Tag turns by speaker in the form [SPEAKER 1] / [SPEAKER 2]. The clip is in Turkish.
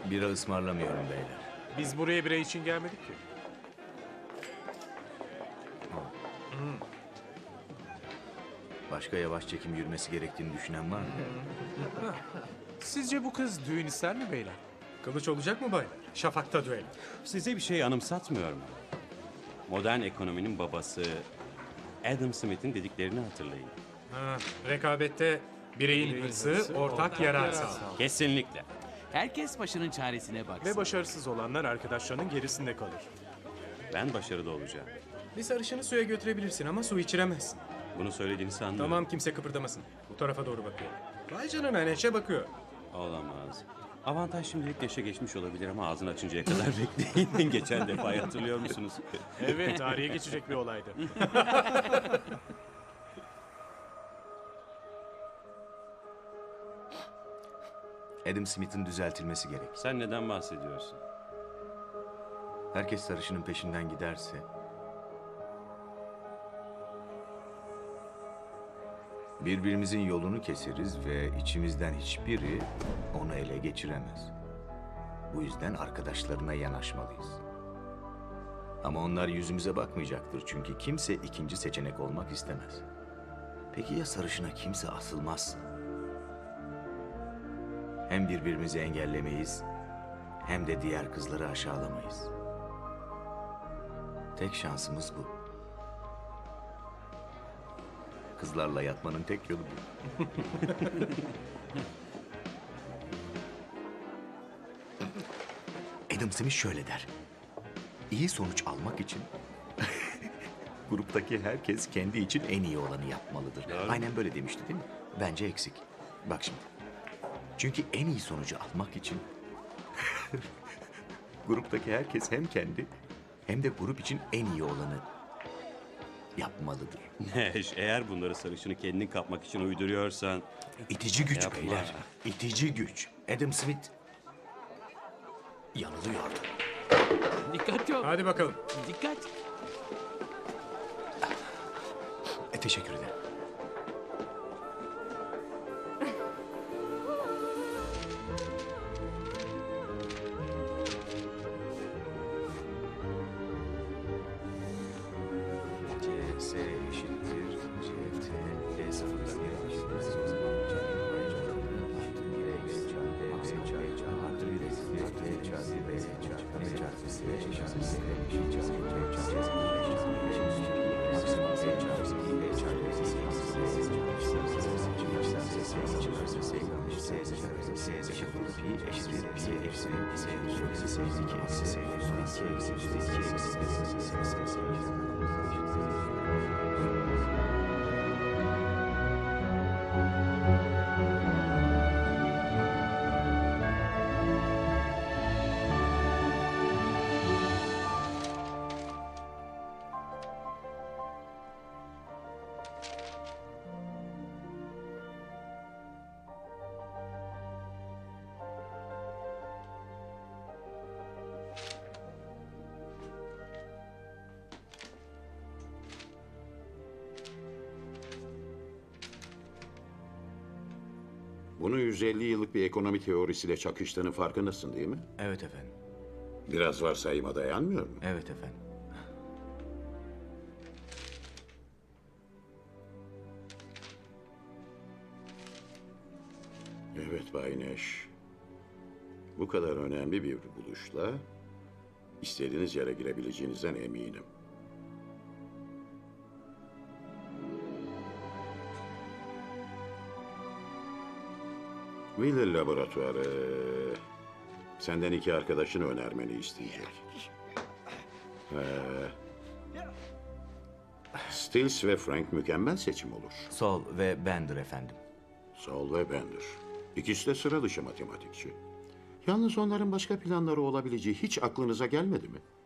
[SPEAKER 1] Bira ısmarlamıyorum beyler.
[SPEAKER 2] Biz buraya bira için gelmedik ki.
[SPEAKER 1] Başka yavaş çekim yürümesi gerektiğini düşünen var mı?
[SPEAKER 2] Sizce bu kız düğün ister mi beyler? Kılıç olacak mı baylar? Şafak'ta düğün.
[SPEAKER 3] Size bir şey anımsatmıyor mu? Modern ekonominin babası Adam Smith'in dediklerini hatırlayın.
[SPEAKER 2] Rekabette bireyin hırsı ortak yarar sağlar.
[SPEAKER 3] Kesinlikle.
[SPEAKER 4] Herkes başının çaresine baksın.
[SPEAKER 2] Ve başarısız olanlar arkadaşlarının gerisinde kalır.
[SPEAKER 3] Ben başarılı olacağım.
[SPEAKER 2] Bir sarışını suya götürebilirsin ama su içiremezsin.
[SPEAKER 3] Bunu söylediğini sanmıyorum.
[SPEAKER 2] Tamam, kimse kıpırdamasın. Bu tarafa doğru bakıyor. Vay canına, Neşe bakıyor.
[SPEAKER 3] Olamaz. Avantaj şimdilik yaşa geçmiş olabilir ama ağzını açıncaya kadar bekleyin. Geçen defa hatırlıyor musunuz?
[SPEAKER 2] Evet, tarihe geçecek bir olaydı.
[SPEAKER 1] Adam Smith'in düzeltilmesi gerek.
[SPEAKER 3] Sen neden bahsediyorsun?
[SPEAKER 1] Herkes sarışının peşinden giderse... birbirimizin yolunu keseriz ve içimizden hiçbiri onu ele geçiremez. Bu yüzden arkadaşlarına yanaşmalıyız. Ama onlar yüzümüze bakmayacaktır çünkü kimse ikinci seçenek olmak istemez. Peki ya sarışına kimse asılmazsa? Hem birbirimizi engellemeyiz, hem de diğer kızları aşağılamayız. Tek şansımız bu. Kızlarla yatmanın tek yolu bu. Adam Smith şöyle der. İyi sonuç almak için gruptaki herkes kendi için en iyi olanı yapmalıdır. Aynen böyle demişti değil mi? Bence eksik. Bak şimdi. Çünkü en iyi sonucu almak için gruptaki herkes hem kendi hem de grup için en iyi olanı yapmalıdır.
[SPEAKER 3] Neş, eğer bunları sarışını kendin kapmak için uyduruyorsan...
[SPEAKER 1] İtici güç
[SPEAKER 3] Yapma.
[SPEAKER 1] beyler. İtici güç. Adam Smith yanılıyordu.
[SPEAKER 4] Dikkatli ol.
[SPEAKER 2] Hadi bakalım.
[SPEAKER 4] Dikkat.
[SPEAKER 1] Teşekkür ederim. CS eşittir CT D sıfırda bir eşittir. O zaman artı 1 çarpı B çarpı artı 1 B çarpı B çarpı B çarpı C eşittir C eşittir C
[SPEAKER 5] Bunu 150 yıllık bir ekonomi teorisiyle çakıştığının farkındasın değil mi?
[SPEAKER 1] Evet efendim.
[SPEAKER 5] Biraz varsayıma dayanmıyor mu?
[SPEAKER 1] Evet efendim.
[SPEAKER 5] Evet Bay Neş. Bu kadar önemli bir buluşla istediğiniz yere girebileceğinizden eminim. Wheeler Laboratuvarı senden 2 arkadaşını önermeni isteyecek. Stills ve Frank mükemmel seçim olur.
[SPEAKER 1] Sol ve Bender efendim.
[SPEAKER 5] Saul ve Bender. İkisi de sıra dışı matematikçi. Yalnız onların başka planları olabileceği hiç aklınıza gelmedi mi?